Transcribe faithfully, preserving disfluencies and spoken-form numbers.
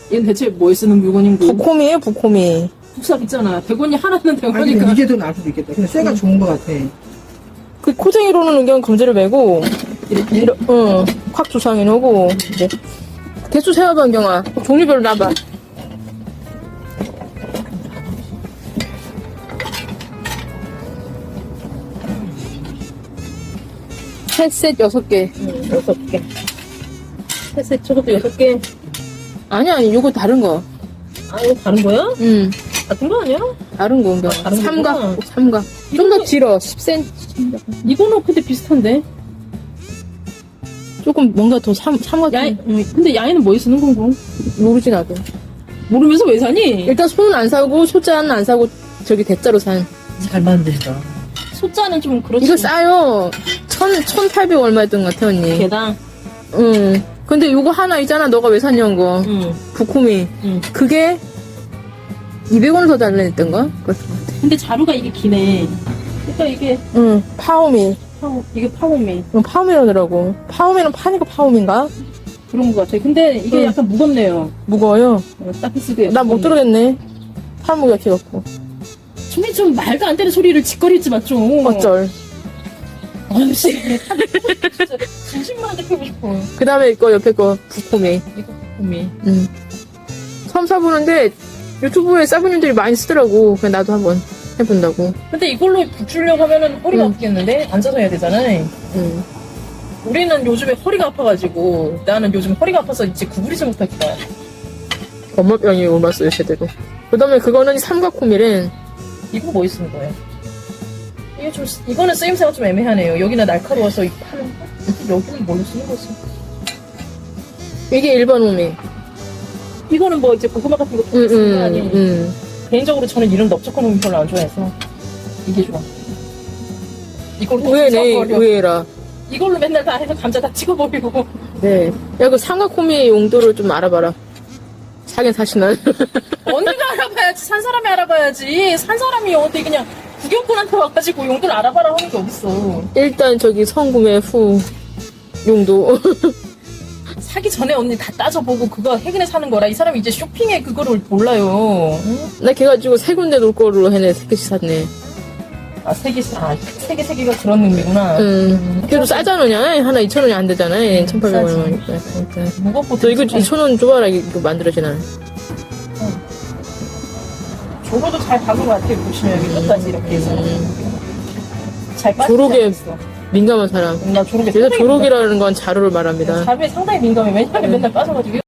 얘는 대체 뭐에 쓰는 물건인고? 부코미에요, 부코미. 국삽 있잖아. 백 원이 하나는 아니, 대원이니까. 근데 이게 더 나을 수도 있겠다. 근데 쇠가 좋은 것 같아. 그 코쟁이로는 그냥 검지를 메고, 이렇게? 이러, 응, 콱 조상해 놓고, 이제. 개수 세워봐, 안경아. 종류별로 놔봐. 셋셋 여섯 개. 응, 여섯 개. 셋셋 저것도 여섯 개. 아니, 아니, 요거 다른 거. 아, 이거 다른 거야? 응, 같은 거 아니야? 다른 거, 안경아. 아, 다른 삼각, 거구나. 삼각. 좀 더 길어, 십 센티미터. 이거는 근데 비슷한데? 조금 뭔가 더 삼, 삼각. 야인, 응, 근데 야인은 뭐에 쓰는 건가? 모르지, 나도. 모르면서 왜 사니? 일단 손은 안 사고, 소자는 안 사고, 저기 대자로 산. 잘 만들다. 소자는 좀 그렇지. 이거 싸요. 천, 천팔백 얼마였던 것 같아, 언니. 개당. 응. 근데 요거 하나 있잖아, 너가 왜 샀냐는 거. 응. 부코미. 응. 그게 이백 원을 더 달라냈던가? 그랬던 것 같아. 근데 자루가 이게 기네. 그러니까 이게 응. 파오미. 파워, 이게 파워미 응, 파오미라더라고. 파오미는 파니까 파오미인가? 그런 것 같아. 근데 이게 응. 약간 무겁네요. 무거워요. 어, 딱 쓰기에. 난 못 들어겠네. 팔무기가 길었고. 정말 좀 말도 안 되는 소리를 짓거리지 마, 좀. 어쩔. 아씨. 진짜 진심만 듣고 싶어. 그 다음에 이거 옆에 거 부코미. 이거 파워미 응. 처음 사보는데 유튜브에 사부님들이 많이 쓰더라고. 그냥 나도 한번 해본다고. 근데 이걸로 붙이려고 하면은 허리가 응. 아프겠는데? 앉아서 해야 되잖아. 응. 우리는 요즘에 허리가 아파가지고, 나는 요즘 허리가 아파서 이제 구부리지 못하겠다. 엄마병이 옮았어요, 제대로. 그 다음에 그거는 삼각코밀은 이거 뭐 쓰는 거예요? 이게 좀, 이거는 쓰임새가 좀 애매하네요. 여기는 날카로워서 이 파는 거? 여기는 뭘로 쓰는 거지? 이게 일반 오미. 이거는 뭐 이제 고구마 같은 거 응, 쓰는 거 응, 아니에요? 응. 개인적으로 저는 이런 넓적한 놈 별로 안 좋아해서 이게 좋아. 이걸로 다 의외네, 찍어버려. 의외라. 이걸로 맨날 다 해서 감자 다 찍어버리고. 네. 야, 그 삼각코미 용도를 좀 알아봐라. 사긴 사시나? 언니가 알아봐야지. 산 사람이 알아봐야지. 산 사람이 어디 그냥 구경꾼한테 와가지고 용도를 알아봐라 하는 게 어딨어. 일단 저기 성구매 후 용도. 사기 전에 언니 다 따져보고 그거 해근에 사는 거라. 이 사람이 이제 쇼핑에 그거를 몰라요. 응? 나 걔가지고 세 군데 놀 거로 해내, 세 개씩 샀네. 아, 세 개, 아, 세 개, 세 개가 그런 의미구나. 응. 그래도 싸잖아, 그냥. 하나 이천 원이 안 되잖아. 천팔백 싸지. 원이니까. 그러니까. 무겁고. 너 이거 이천 원 줘봐라, 이거 만들어지나. 조로도 잘 박은 것 같아요. 보시면 여기 끝까지 이렇게 해서. 잘 빠지지 조록에 않았어. 민감한 사람. 나 조록에 그래서 상당히 조록이라는 건 자루를 말합니다. 민감해. 자루에 상당히 민감해. 왜냐면 맨날 빠져가지고.